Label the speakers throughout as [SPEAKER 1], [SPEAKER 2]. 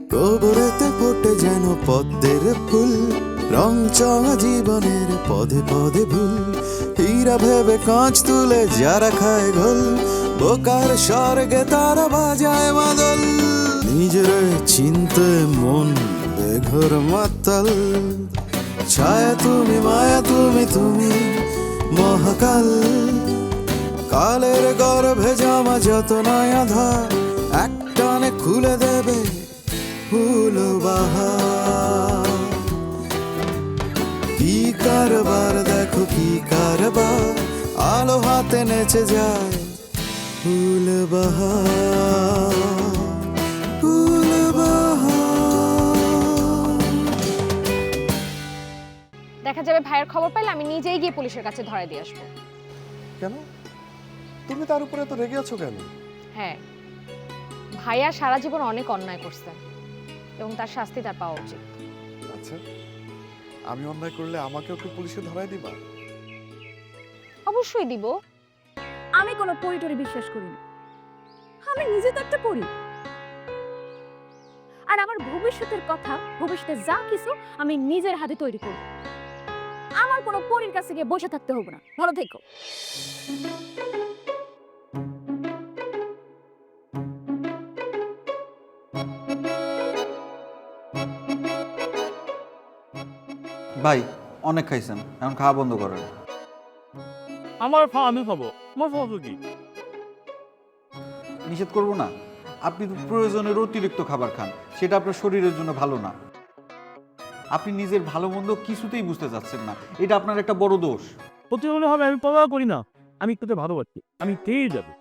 [SPEAKER 1] গোবরেতে ফোটে যেন পদ্মের ফুল, রং চঙা জীবনের পদে পদে ভুল। হীরা ভেবে কাঁচ তুলে যারা খায় ঘোল, বোকার স্বর্গে তারা বাজায় মাদল। নিজের চিনতে মন বেঘর মাতাল, ছায়া তুমি মায়া তুমি তুমি মহাকাল। কালের গর্ভে জামা যত নয়া ধার, একটানে খুলে দেবে ফুল বাহার। কি কারবার দেখো কি কারবার, আলো হাতে নেচে যায় ফুল বাহার, ফুল বাহার।
[SPEAKER 2] দেখা যাবে ভাইয়ের খবর পাইলে আমি নিজেই গিয়ে পুলিশের কাছে ধরে দিয়ে আসবো।
[SPEAKER 3] কেন? তুমি তার উপরে তো রেগে আছো কেন?
[SPEAKER 2] হ্যাঁ, ভাইয়া সারা জীবন অনেক অন্যায় করছে এবং তার শাস্তি তার পাওয়া উচিত।
[SPEAKER 3] আচ্ছা, আমি অন্যায় করলে আমাকেও কি পুলিশে ধরায় দিবা?
[SPEAKER 2] অবশ্যই দিব।
[SPEAKER 4] আমি কোনো পরিটরি বিশ্বাস করি না। আমি নিজে তো একটা পড়ি, আর আমার ভবিষ্যতের কথা, ভবিষ্যতে যা কিছু আমি নিজের হাতে তৈরি করব। আমার কোনো পরীর কাছে গিয়ে বসে থাকতে হবে না। ভালো থেকো।
[SPEAKER 5] ভাই অনেক খাইছেন, এখন খাওয়া বন্ধ করেন।
[SPEAKER 6] আমার খাওয়া আমি খাবো, আমার খাবো কি?
[SPEAKER 5] নিষেধ করবো না, আপনি তো প্রয়োজনের অতিরিক্ত খাবার খান, সেটা আপনার শরীরের জন্য ভালো না। আপনি নিজের ভালো মন্দ কিছুতেই বুঝতে চাচ্ছেন না, এটা আপনার একটা বড় দোষ।
[SPEAKER 6] প্রতিদিন হবে আমি পড়া করি না, আমি একটু ভালোবাসি, আমি খেয়ে যাবো।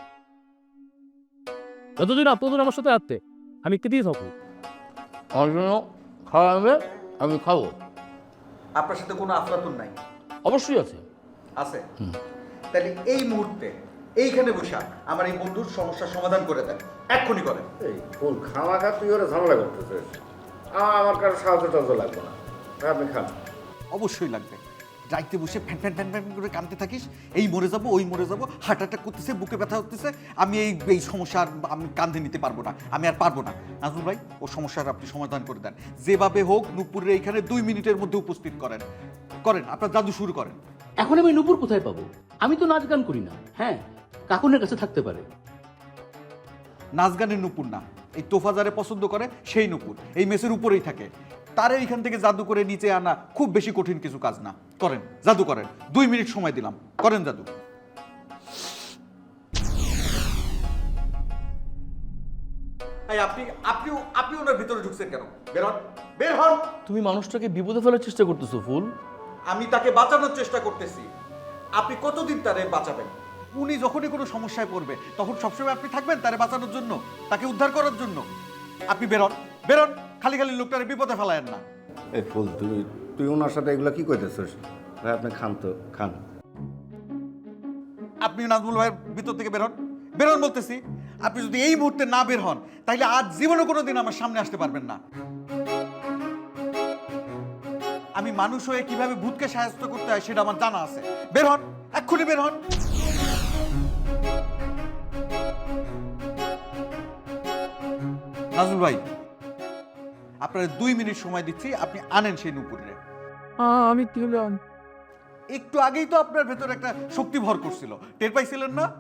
[SPEAKER 6] যতদিন আপনাদের আমার সাথে আসতে আমি খেতেই থাকবো। আমার জন্য খাওয়া হবে, আমি খাবো।
[SPEAKER 5] আপনার সাথে কোনো আফলাতুন নাই?
[SPEAKER 6] অবশ্যই আছে।
[SPEAKER 5] আছে? তাহলে এই মুহূর্তে এইখানে বসে আমার এই বন্ধুর সমস্যার সমাধান করে দেন, এক্ষুনি করেন।
[SPEAKER 7] এই ফুল খামাখা তুই ওরা ঝামেলা করতেছিস, আমার কারো সাহায্য টাহায্য লাগবে না, আপনি খান।
[SPEAKER 5] অবশ্যই লাগবে। রাইতে বসে ফ্যান ফ্যান ফ্যান ফ্যান করে কাঁদতে থাকিস, এই মরে যাবো ওই মরে যাবো, হার্ট অ্যাটাক করতেছে, বুকে ব্যথা হতেছে, আমি এই সমস্যার আমি কাঁধে নিতে পারবো না, আমি আর পারবো না। নাজমুল ভাই, ও সমস্যার আপনি সমাধান করে দেন, যেভাবে হোক নূপুরের এইখানে 2 মিনিটের মধ্যে উপস্থিত করেন। করেন, আপনার জাদু শুরু করেন।
[SPEAKER 8] এখন আমি নূপুর কোথায় পাবো? আমি তো নাচ গান করি না। হ্যাঁ, কাকুনের কাছে থাকতে পারে।
[SPEAKER 5] নাচ গানের নূপুর না, এই তোফা যারে পছন্দ করে সেই নূপুর, এই মেসের উপরেই থাকে। তারে এইখান থেকে জাদু করে নিচে আনা খুব বেশি কঠিন কিছু কাজ না। করেন, জাদু করেন, 2 মিনিট সময় দিলাম, করেন জাদু। আপনি ওনার ভিতরে ঢুকছেন কেন? বের হন, বের হন।
[SPEAKER 6] তুমি মানুষটাকে বিপদে ফেলার চেষ্টা করতেছো ফুল।
[SPEAKER 5] আমি তাকে বাঁচানোর চেষ্টা করতেছি, আপনি কতদিন তারে বাঁচাবেন? উনি যখনই কোনো সমস্যায় পড়বে তখন সবসময় আপনি থাকবেন তারে বাঁচানোর জন্য, তাকে উদ্ধার করার জন্য। আপনি বেরোন, বেরোন, খালি খালি লোকটারে বিপদে ফেলায়েন না।
[SPEAKER 7] এই ফুল তুই ওনার সাথে এগুলো কি করতেছিস? ভাই আপনি খান তো, খান।
[SPEAKER 5] আপনি নাজমুল ভাইয়ের ভিতর থেকে বেরোন, বেরোন বলতেছি। আপনি যদি এই মুহূর্তে না বের হন তাহলে আজ জীবনে কোনোদিন আমার সামনে আসতে পারবেন না। আমি মানুষ হয়ে কিভাবে ভূতকে সাহায্য করতে হয় সেটা আমার জানা আছে। বের হন, এক্ষুনি বের হন। নাজমুল ভাই, আপনার 2 মিনিট সময় দিচ্ছি, আপনি আনেন সেই নূপুরে।
[SPEAKER 6] আমি কি হলাম?
[SPEAKER 5] একটু আগেই তো আপনার ভেতর একটা শক্তি ভর করছিল, টের পাইছিলেন না?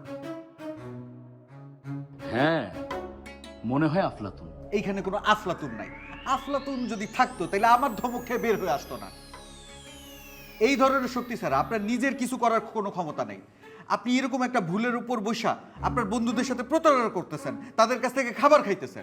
[SPEAKER 8] হ্যাঁ, মনে হয় আফলাতুন।
[SPEAKER 5] এইখানে কোনো আফলাতুন নাই। আফলাতুন যদি থাকতো তাহলে আমার ধমক খেয়ে বের হয়ে আসতো না। এই ধরনের শক্তি ছাড়া আপনার নিজের কিছু করার কোনো ক্ষমতা নেই। আপনি এরকম একটা ভুলের উপর বসা আপনার বন্ধুদের সাথে প্রতারণা করতেছেন, তাদের কাছ থেকে খাবার খাইতেছেন।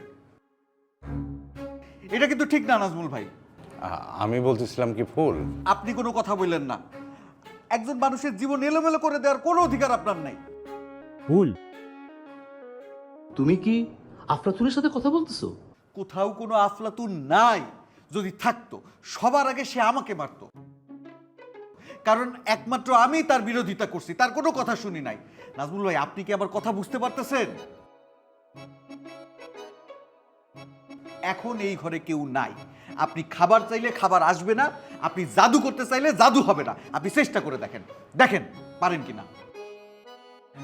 [SPEAKER 5] এটা কিন্তু ঠিক না নাজমুল ভাই।
[SPEAKER 9] আমি বলতেছিলাম কি ফুল,
[SPEAKER 5] আপনি কোনো কথা বললেন না। একজন মানুষের জীবন এলোমেলো করে দেওয়ার কোনো অধিকার আপনার নাই।
[SPEAKER 6] ফুল,
[SPEAKER 8] তুমি কি আফলাতুনের সাথে কথা বলতেছো?
[SPEAKER 5] কোথাও কোনো আফলাতুন নাই। যদি থাকতো সবার আগে সে আমাকে মারতো, কারণ একমাত্র আমি তার বিরোধিতা করছি, তার কোনো কথা শুনি নাই। নাজমুল ভাই, আপনি কি আবার কথা বুঝতে পারতেছেন? এখন এই ঘরে কেউ নাই। আপনি খাবার চাইলে খাবার আসবে না, আপনি জাদু করতে চাইলে জাদু হবে না। আপনি চেষ্টা করে দেখেন, দেখেন পারেন কিনা।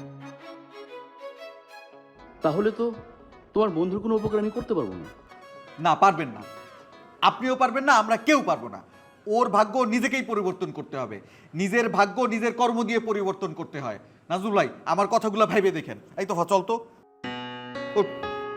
[SPEAKER 8] তাহলে তো তোমার বন্ধুর কোনো উপকার আমি করতে পারবো না।
[SPEAKER 5] না, পারবেন না। আপনিও পারবেন না, আমরা কেউ পারবো না। ওর ভাগ্য নিজেকেই পরিবর্তন করতে হবে। নিজের ভাগ্য নিজের কর্ম দিয়ে পরিবর্তন করতে হয়। নাজমুল ভাই, আমার কথাগুলো ভাইবে দেখেন। এই তো চল তো। ওঠ।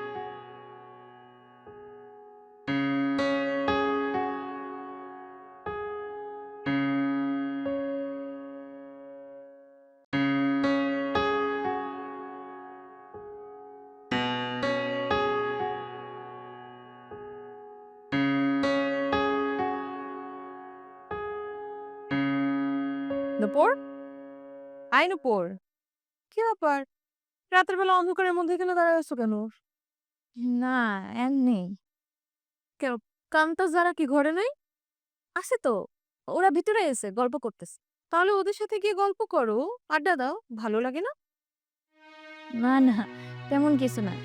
[SPEAKER 10] নুপুর, আই নুপুর, কি ব্যাপার? রাতের বেলা অন্ধকারের মধ্যে এখানে দাঁড়ায় আছো কেন?
[SPEAKER 4] না, এমনি।
[SPEAKER 10] কেন, কান্তা যারা কি ঘরে নাই?
[SPEAKER 4] আছে তো, ওরা ভিতরে এসে গল্প করতেছে।
[SPEAKER 10] তাহলে ওদের সাথে গিয়ে গল্প করো, আড্ডা দাও, ভালো লাগে না?
[SPEAKER 4] না না, তেমন কিছু না।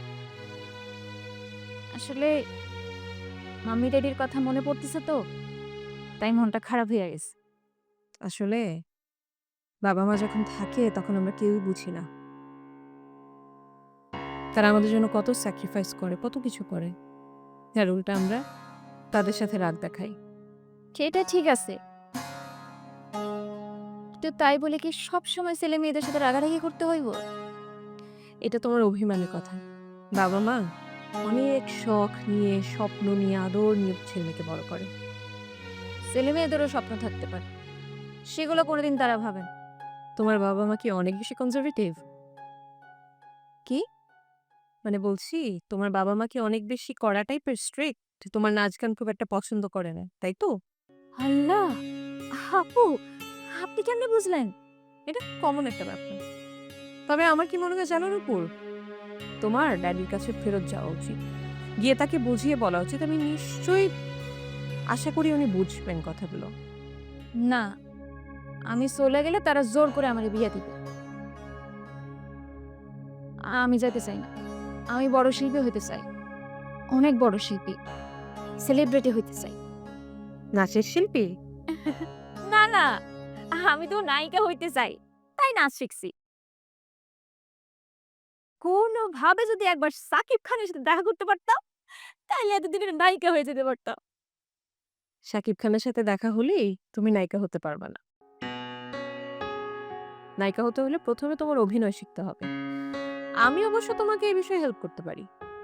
[SPEAKER 4] আসলে মাম্মি ড্যাডির কথা মনে পড়তেছে তো, তাই মনটা খারাপ হয়ে গেছে।
[SPEAKER 10] আসলে বাবা মা যখন থাকে তখন আমরা কেউই বুঝি না। তারা আমাদের জন্য কত স্যাক্রিফাইস করে, কত কিছু করে, যার উল্টা আমরা তাদের সাথে রাগ দেখাই।
[SPEAKER 4] সেটা ঠিক আছে, তো তাই বলে কি সব সময় ছেলে মেয়েদের সাথে রাগারাগি করতে হইব?
[SPEAKER 10] এটা তোমার অভিমানের কথা। বাবা মা অনেক শখ নিয়ে, স্বপ্ন নিয়ে, আদর নিয়ে ছেলেমেয়েকে বড় করে।
[SPEAKER 4] ছেলে মেয়েদেরও স্বপ্ন থাকতে পারে, সেগুলো কোনোদিন তারা ভাবেন।
[SPEAKER 10] তোমার বাবা মা কি অনেক বেশি কনজারভেটিভ? কি মানে বলছি, তোমার বাবা মা কি অনেক বেশি কড়া টাইপের স্ট্রিক্ট? তোমার নাচ গান খুব একটা পছন্দ করে না, তাই তো?
[SPEAKER 4] আল্লাহ, আপু আপনি কেমনে বুঝলেন?
[SPEAKER 10] এটা কমন একটা ব্যাপার। তবে আমার কি মনে হয় জানো নুপুর, তোমার ড্যাডির কাছে ফেরত যাওয়া উচিত, গিয়ে তাকে বুঝিয়ে বলা উচিত। আমি নিশ্চয়ই আশা করি উনি বুঝবেন কথাগুলো।
[SPEAKER 4] না, আমি চলে গেলে তারা জোর করে আমার বিয়ে দিবে। আমি যেতে চাই না। আমি বড় শিল্পী হইতে চাই, অনেক বড় শিল্পী, সেলিব্রিটি হইতে চাই।
[SPEAKER 10] নাচের শিল্পী?
[SPEAKER 4] না না, আমি তো নায়িকা হইতে চাই, তাই নাচ শিখছি। কোনোভাবে যদি একবার সাকিব খানের সাথে দেখা করতে পারতাম, তাহলে এতদিনের নায়িকা হয়ে যেতে পারতাম।
[SPEAKER 10] শাকিব খানের সাথে দেখা হলেই তুমি নায়িকা হতে পারবে না। নায়িকা হতে হলে প্রথমে তোমার অভিনয় শিখতে হবে। আমি অবশ্য তোমাকে এই বিষয়ে হেল্প করতে পারি।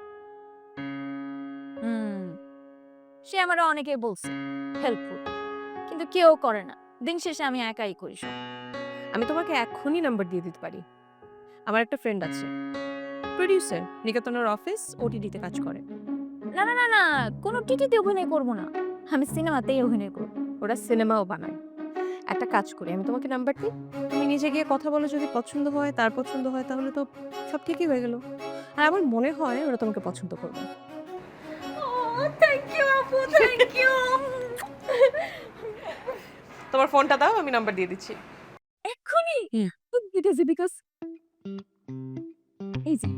[SPEAKER 4] সে আমার অনেকে বলছে হেল্পফুল, কিন্তু কেউ করে না। দিন শেষে আমি একাই করি সব।
[SPEAKER 10] আমি তোমাকে এখনই নাম্বার দিয়ে দিতে পারি। আমার একটা ফ্রেন্ড আছে, প্রোডিউসার, নিকেতনের অফিস ওটিডিতে কাজ করে।
[SPEAKER 4] না না না না, কোনো টিটিতে অভিনয় করব না, আমি সিনেমাতেই অভিনয় করব।
[SPEAKER 10] ওরা সিনেমাও বানায়। একটা কাজ করি, আমি তোমাকে নাম্বার দিই, তুমি নিজে গিয়ে কথা বলো, যদি পছন্দ হয়, তার পছন্দ হয়, তাহলে তো সব ঠিকই হয়ে গেল। আর আমার মনে হয় ওরা তোমাকে পছন্দ করবে।
[SPEAKER 4] থ্যাংক ইউ আপু, থ্যাংক ইউ।
[SPEAKER 10] তোমার ফোনটা দাও, আমি নাম্বার দিয়ে দিচ্ছি
[SPEAKER 4] এক্ষুনি।
[SPEAKER 10] ইট ইজ বিকজ
[SPEAKER 4] এই যে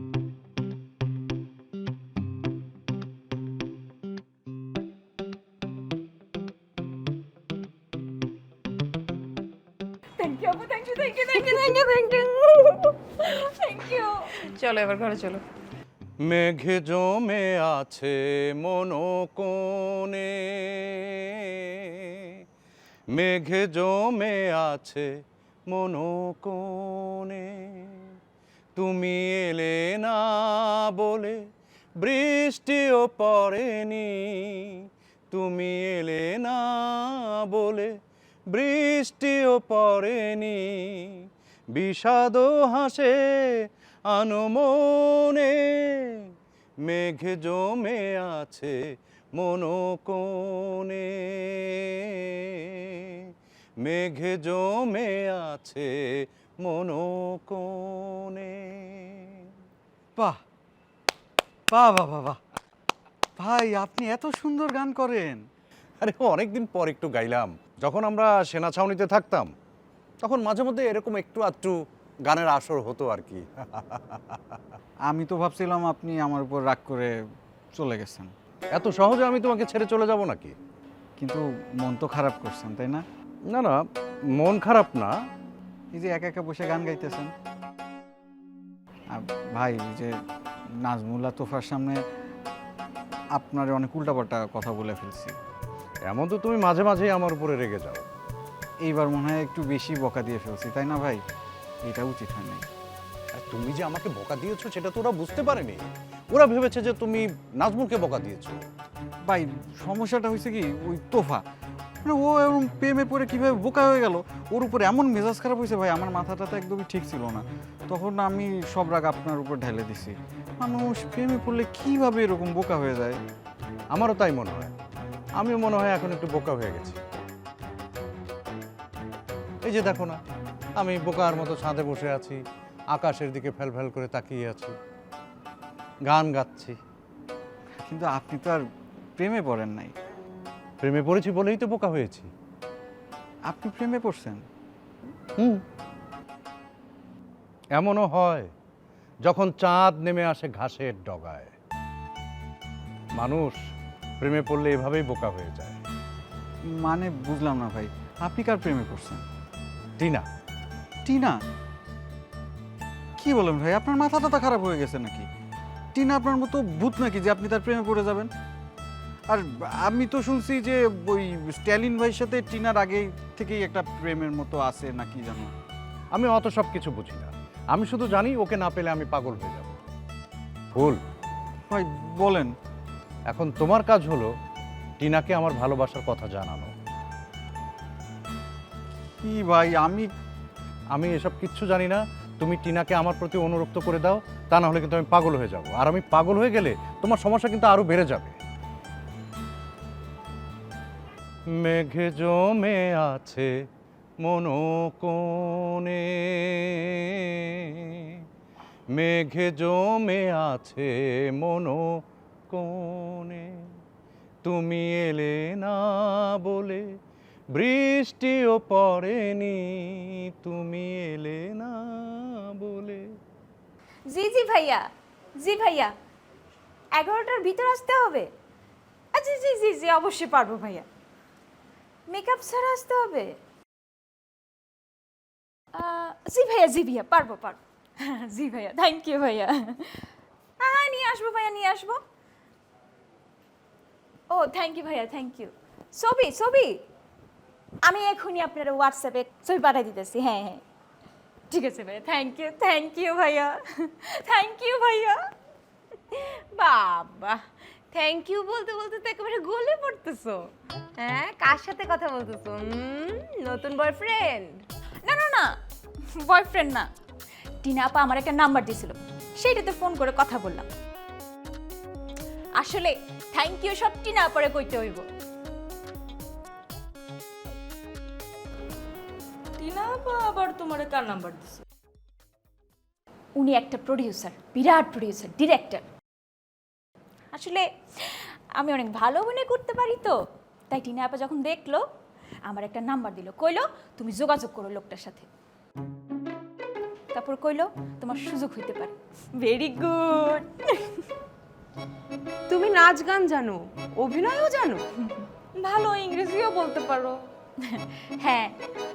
[SPEAKER 4] থ্যাংক ইউ আপু, thank you thank you thank you thank you thank you thank you.
[SPEAKER 10] চলো এবার ঘরে চলো।
[SPEAKER 9] মেঘে জমে আছে মনোকোণে, মেঘে জমে আছে মনোকোণে, তুমি এলে না বলে বৃষ্টিও পড়েনি, তুমি এলে না বলে বৃষ্টিও পড়েনি, বিষাদ হাসে আনমনে, মেঘে জমে আছে মনোকোণে, মেঘে জমে আছে মনোকোণে।
[SPEAKER 5] বাহ বাহ বাহ বাহ বাহ, ভাই আপনি এত সুন্দর গান করেন।
[SPEAKER 9] আরে অনেকদিন পর একটু গাইলাম। যখন আমরা সেনা ছাউনিতে থাকতাম তখন মাঝে মধ্যে এরকম একটু আধটু গানের আসর হতো আর কি।
[SPEAKER 1] আমি তো ভাবছিলাম আপনি আমার উপর রাগ করে চলে গেছেন,
[SPEAKER 9] এত সহজে আমি তোমাকে ছেড়ে চলে যাব নাকি?
[SPEAKER 1] কিন্তু মন তো খারাপ করছেন, তাই না?
[SPEAKER 9] না না, মন খারাপ না।
[SPEAKER 1] এই যে একা একা বসে গান গাইতেছেন। ভাই, এই যে নাজমুল্লাহ তোফার সামনে আপনার অনেক উল্টাপাল্টা কথা বলে ফেলছি।
[SPEAKER 9] এমন তো তুমি মাঝে মাঝেই আমার উপরে রেগে যাও।
[SPEAKER 1] এইবার মনে হয় একটু বেশি বকা দিয়ে ফেলছি, তাই না ভাই? এটা উচিত হয় নাই।
[SPEAKER 9] আর তুমি যে আমাকে বকা দিয়েছো সেটা তো ওরা বুঝতে পারেনি। ওরা ভেবেছে যে তুমি নাজমুলকে বকা দিয়েছো।
[SPEAKER 1] ভাই সমস্যাটা হয়েছে কি, ওই তোফা মানে ও এরকম প্রেমে পড়ে কীভাবে বোকা হয়ে গেল, ওর উপরে এমন মেজাজ খারাপ হয়েছে ভাই, আমার মাথাটা তো একদমই ঠিক ছিল না। তখন আমি সব রাগ আপনার উপর ঢেলে দিছি। মানুষ প্রেমে পড়লে কীভাবে এরকম বোকা হয়ে যায়?
[SPEAKER 9] আমারও তাই মনে হয়। আমিও মনে হয় এখন একটু বোকা হয়ে গেছি। এই যে দেখো না, আমি বোকার মতো ছাদে বসে আছি, আকাশের দিকে ফেল ফেল করে তাকিয়ে আছি, গান গাচ্ছি।
[SPEAKER 1] কিন্তু আপনি তো আর প্রেমে পড়েন নাই।
[SPEAKER 9] প্রেমে পড়েছি বলেই তো বোকা হয়েছি।
[SPEAKER 1] আপনি প্রেমে পড়ছেন?
[SPEAKER 9] এমনও হয় যখন চাঁদ নেমে আসে ঘাসের ডগায়। মানুষ প্রেমে পড়লে এভাবেই বোকা হয়ে যায়।
[SPEAKER 1] মানে বুঝলাম না ভাই, আপনি কার প্রেমে পড়ছেন?
[SPEAKER 9] টিনা।
[SPEAKER 1] টিনা? কি বলেন ভাই, আপনার মাথা টাথা খারাপ হয়ে গেছে নাকি? টিনা আপনার মতো ভূত নাকি যে আপনি তার প্রেমে পড়ে যাবেন? আর আমি তো শুনছি যে ওই স্ট্যালিন ভাইয়ের সাথে টিনার আগে থেকেই একটা প্রেমের মতো আছে নাকি জানো?
[SPEAKER 9] আমি অত সব কিছু বুঝি না। আমি শুধু জানি ওকে না পেলে আমি পাগল হয়ে যাব। ভুল
[SPEAKER 1] ভাই বলেন।
[SPEAKER 9] এখন তোমার কাজ হলো টিনাকে আমার ভালোবাসার কথা জানানো।
[SPEAKER 1] কি ভাই,
[SPEAKER 9] আমি এসব কিচ্ছু জানি না। তুমি টিনাকে আমার প্রতি অনুরক্ত করে দাও, তা না হলে কিন্তু আমি পাগল হয়ে যাব। আর আমি পাগল হয়ে গেলে তোমার সমস্যা কিন্তু আরো বেড়ে যাবে। মেঘে জমে আছে মনোকোণে, মেঘে জমে আছে মনোকোণে, তুমি এলে না বলে বৃষ্টিও পড়েনি, তুমি এলে না বলে।
[SPEAKER 4] জি জি ভাইয়া, জি ভাইয়া, 11টার ভিতর আসতে হবে। আচ্ছা জি জি জি অবশ্যই পারবো ভাইয়া। মেকআপ ছাড়া আসতে হবে? জি ভাইয়া, জি ভাইয়া, পারবো পারবো। জি ভাইয়া, থ্যাংক ইউ ভাইয়া। হ্যাঁ নিয়ে আসবো ভাইয়া, নিয়ে আসবো। ও থ্যাংক ইউ ভাইয়া, থ্যাংক ইউ। ছবি ছবি আমি এখনই আপনার হোয়াটসঅ্যাপে ছবি পাঠিয়ে দিতেছি। হ্যাঁ হ্যাঁ ঠিক আছে ভাইয়া, থ্যাংক ইউ ভাইয়া, থ্যাংক ইউ ভাইয়া।
[SPEAKER 10] বাবা, থ্যাংক ইউ বলতে বলতে তো একেবারে গলে পড়তেছো। হ্যাঁ, কার সাথে কথা বলতেছো? নতুন বয়ফ্রেন্ড?
[SPEAKER 4] না না না, বয়ফ্রেন্ড না। টিনা আপা আমার একটা নাম্বার দিয়েছিল, সেইটাতে ফোন করে কথা বললাম। আসলে থ্যাংক ইউ সব টিনা আপারে কইতে হইব।
[SPEAKER 10] টিনা আপা আবার তোমারে কার নাম্বার দিছে?
[SPEAKER 4] উনি একটা প্রডিউসার, বিরাট প্রডিউসার, ডিরেক্টর। আসলে আমি অনেক ভালো অভিনয় করতে পারি তো, তাই টিনা আপা যখন দেখলো আমার একটা নাম্বার দিল, কইলো তুমি যোগাযোগ করো লোকটার সাথে। তারপর কইলো তোমার সুযোগ হইতে পারে। Very good.
[SPEAKER 10] তুমি নাচ গান জানো, অভিনয়ও জানো,
[SPEAKER 4] ভালো ইংরেজিও বলতে পারো। হ্যাঁ,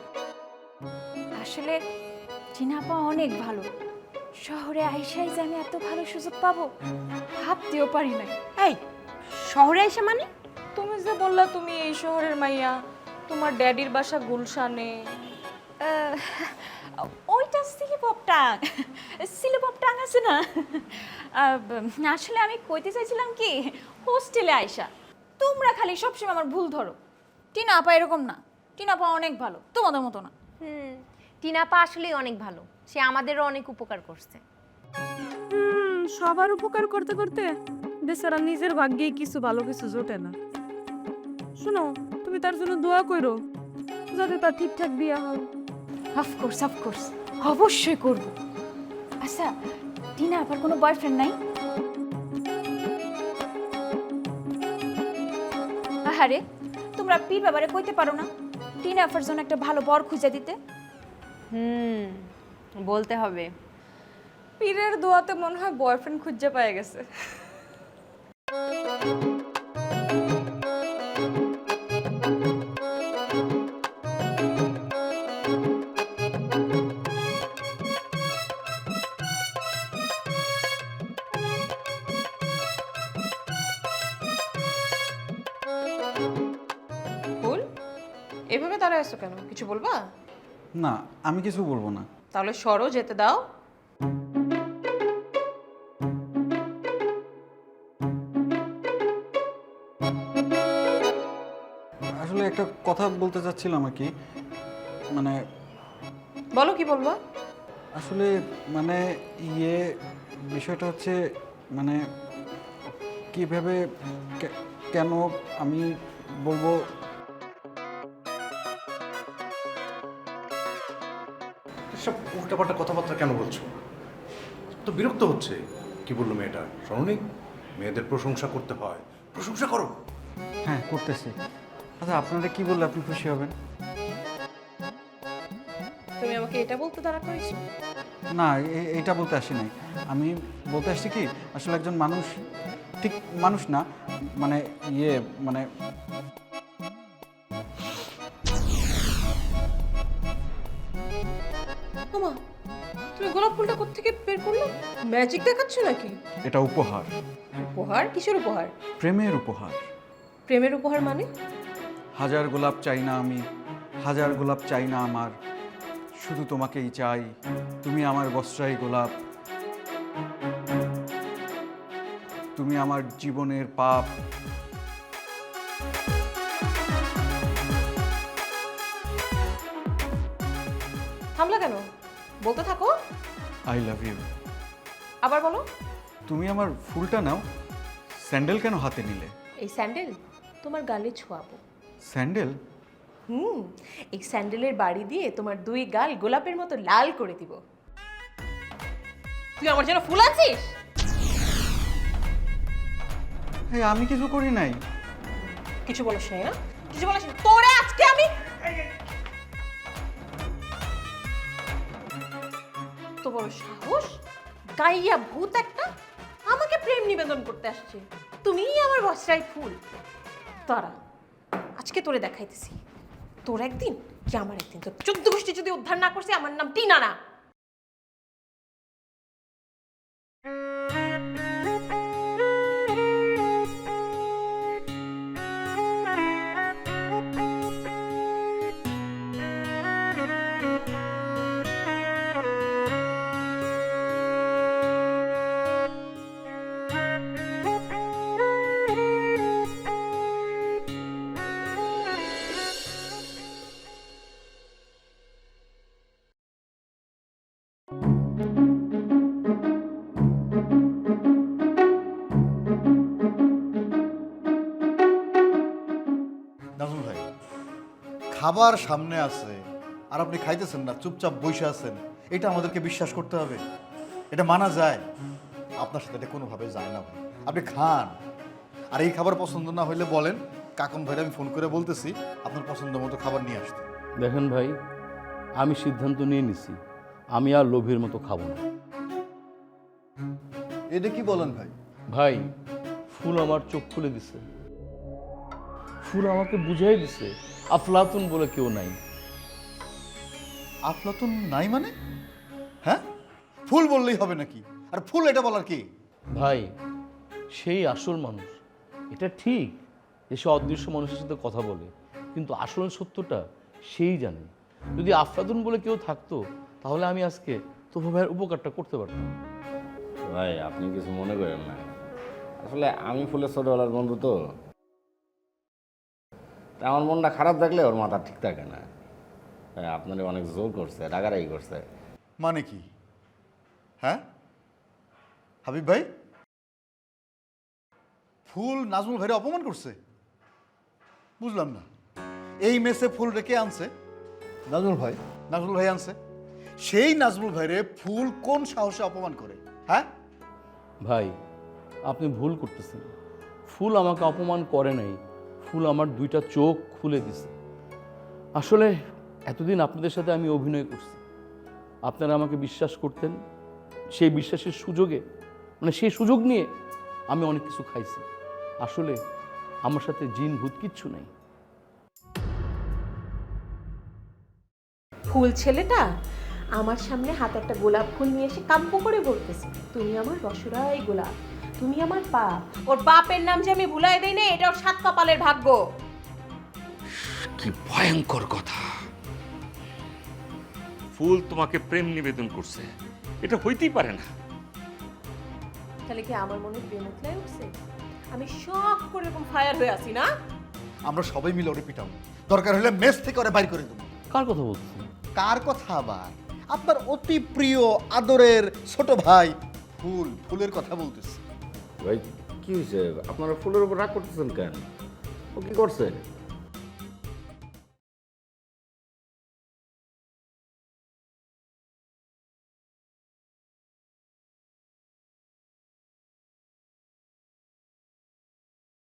[SPEAKER 4] আসলে টিনা আপা অনেক ভালো। শহরে আইসাই যে আমি এত ভালো সুযোগ পাবো ভাবতেও পারি না।
[SPEAKER 10] এই শহরে এসে মানে?
[SPEAKER 2] তুমি যে বললা তুমি এই শহরের মাইয়া, তোমার ড্যাডির বাসা গুলশানে।
[SPEAKER 4] ওইটা সিলিপপ টাং, সিলিপপ টাং আছে না। আসলে আমি কইতে চাইছিলাম কি, হোস্টেলে আইসা তোমরা খালি সবসময় আমার ভুল ধরো। টিনা আপা এরকম না, টিনা আপা অনেক ভালো, তোমাদের মতো না।
[SPEAKER 10] টিনাপা আসলেই অনেক ভালো, সে আমাদেরও অনেক উপকার করছে।
[SPEAKER 11] সবার উপকার করতে করতে বেচারা নিজের ভাগ্যেই কিছু ভালো কিছু জোটে না। শোনো, তুমি তার জন্য দোয়া করো যাতে তার ঠিকঠাক বিয়ে হয়।
[SPEAKER 4] অফকোর্স অফকোর্স, অবশ্যই করব। আচ্ছা, টিনা আপার কোনো বয়ফ্রেন্ড নাই? আহারে, তোমরা পীর বাবারে কইতে পারো না টিনা আপার জন্য একটা ভালো বর খুঁজে দিতে?
[SPEAKER 10] বলতে হবে।
[SPEAKER 2] পীরের দোয়াতে মনে হয় বয়ফ্রেন্ড খুঁজে পেয়ে গেছে।
[SPEAKER 12] এইভাবে দাঁড়ায় আছো কেন, কিছু বলবা?
[SPEAKER 1] না, আমি কিছু বলবো না।
[SPEAKER 12] তাহলে সরো, যেতে দাও।
[SPEAKER 1] আসলে একটা কথা বলতে চাচ্ছিলাম আর কি, মানে
[SPEAKER 12] বলো, কি বলবা?
[SPEAKER 1] আসলে মানে বিষয়টা হচ্ছে মানে কিভাবে কেন আমি বলবো।
[SPEAKER 9] সব উল্টাপাল্টা কথাবার্তা কেন বলছো? তো বিরক্ত হচ্ছে। কি বললো মেয়েটা, শোনোনি? মেয়েদের প্রশংসা করতে হয়, প্রশংসা করো।
[SPEAKER 1] হ্যাঁ, করতেছি। আচ্ছা, আপনারা কি বললে আপনি খুশি হবেন?
[SPEAKER 12] তুমি আমাকে এটা বলতে দাঁড়া করেছো?
[SPEAKER 1] না, এইটা বলতে আসি নাই। আমি বলতে আসছি কি, আসলে একজন মানুষ, ঠিক মানুষ না, মানে মানে
[SPEAKER 12] ওমা, তুমি গোলাপ ফুলটা কোত্থেকে বের করলে? ম্যাজিক দেখাচ্ছ নাকি?
[SPEAKER 1] এটা উপহার।
[SPEAKER 12] উপহার? কিসের উপহার?
[SPEAKER 1] প্রেমের উপহার।
[SPEAKER 12] প্রেমের উপহার মানে?
[SPEAKER 1] হাজার গোলাপ চাই না আমি, হাজার গোলাপ চাই না আমার, শুধু তোমাকেই চাই, তুমি আমার বস্ত্রাই গোলাপ, তুমি আমার জীবনের পাপ।
[SPEAKER 12] থামলা কেন? বলতে থাকো।
[SPEAKER 1] I love you.
[SPEAKER 12] আবার বলো।
[SPEAKER 1] তুমি আমার ফুলটা নাও, স্যান্ডেল কেন হাতে নিলে?
[SPEAKER 12] এই স্যান্ডেল তোমার গালে ছোঁয়াবো।
[SPEAKER 1] স্যান্ডেল?
[SPEAKER 12] এই স্যান্ডেলের বাড়ি দিয়ে তোমার দুই গাল গোলাপের মতো লাল করে দিব। তুই আমার জন্য ফুল আছিস?
[SPEAKER 1] আমি কিছু করি নাই।
[SPEAKER 12] কিছু বলিস নাই না? কিছু বলিস না? তোরে আজকে আমি তো বড় সাহস, গাইয়া ভূত একটা, আমাকে প্রেম নিবেদন করতে আসছে। তুমিই আমার বস্ত্রাই ফুল। তারা আজকে তোরে দেখাইতেছি, তোর একদিন কি আমার একদিন। তোর 14 গোষ্ঠী যদি উদ্ধার না করছে, আমার নাম টিনা না।
[SPEAKER 3] নাজমুল ভাই, খাবার সামনে আছে আর আপনি খাইতেছেন না, চুপচাপ বসে আছেন, এটা আমাদেরকে বিশ্বাস করতে হবে? এটা মানা যায়? আপনার সাথে এটা কোনোভাবে যায় না ভাই। আপনি খান, আর এই খাবার পছন্দ না হইলে বলেন, কাকন ভাইরা আমি ফোন করে বলতেছি আপনার পছন্দ মতো খাবার নিয়ে আসতে।
[SPEAKER 8] দেখেন ভাই, আমি সিদ্ধান্ত নিয়ে নিছি, আমি আর লোভের মতো খাবো না।
[SPEAKER 3] এটা কি বলেন ভাই?
[SPEAKER 8] ভাই, ফুল আমার চোখ খুলে দিছে, ফুল আমাকে বুঝাই দিছে আফলাতুন বলে কেউ নাই।
[SPEAKER 3] আফলাতুন নাই মানে? হ্যাঁ, ফুল বললেই হবে নাকি? আর ফুল এটা বলার কি?
[SPEAKER 8] ভাই, সেই আসল মানুষ। এটা ঠিক যে সে অদৃশ্য মানুষের সাথে কথা বলে, কিন্তু আসল সত্যটা সেই জানে। যদি আফলাতুন বলে কেউ থাকতো, তাহলে আমি আজকে তোফা ভাইয়ের উপকারটা করতে পারতাম।
[SPEAKER 7] ভাই, আপনি কিছু মনে করেন না, আসলে আমি ফুলের ছোটবেলার বন্ধু তো, তা আমার মনটা খারাপ থাকলে ওর মাথা ঠিক থাকে না। আপনারে অনেক জোর করছে, রাগারাগি করছে।
[SPEAKER 3] মানে কি? হ্যাঁ হাবিব ভাই, ফুল নাজমুল ভাইরে অপমান করছে? বুঝলাম না। এই মেসে ফুল রেখে আনছে? নাজমুল ভাই। নাজমুল ভাই আনছে? সেই নাজমুল ভাইরে ফুল কোন সাহসে অপমান করে? হ্যাঁ
[SPEAKER 8] ভাই, আপনি ভুল করতেছেন। ফুল আমাকে অপমান করে নাই, ফুল আমার দুইটা চোখ খুলে দিছে। আসলে এতদিন আপনাদের সাথে আমি অভিনয় করছি, আপনারা আমাকে বিশ্বাস করতেন। সেই বিশ্বাসের সুযোগে, মানে সেই সুযোগ নিয়ে আমি অনেক কিছু খাইছি। আসলে আমার সাথে জিন ভূত কিচ্ছু নাই।
[SPEAKER 12] ফুল ছেলেটা আমার সামনে হাতে একটা গোলাপ ফুল নিয়ে এসে কাব্য করে বলতেছে, তুমি আমার রসরাই গোলাপ, তুমি আমার পাপ। ওর বাপের নাম যে আমি ভুলাই দেই না, এটা ওর 7 কপালের ভাগ্য।
[SPEAKER 13] কি ভয়ঙ্কর কথা! ফুল তোমাকে প্রেম নিবেদন করছে, এটা হইতেই পারে না।
[SPEAKER 12] তাহলে কি আমার মনে প্রেম উঠলাই উঠছে? আমি শখ করে এরকম ফায়ার হয়ে আছি না?
[SPEAKER 3] আমরা সবাই মিলে ওরে পিটাবো, দরকার হলে মেস থেকে ওরে বাইর করে দেবো।
[SPEAKER 8] কার কথা বলতেছেন?
[SPEAKER 3] কার কথা আবার? আপনার অতি প্রিয় আদরের ছোট ভাই ফুলের কথা বলতেছি।
[SPEAKER 7] ভাই কি হয়েছে? আপনারা ফুলের উপর রাগ করতেছেন কেন? ও কি করছে?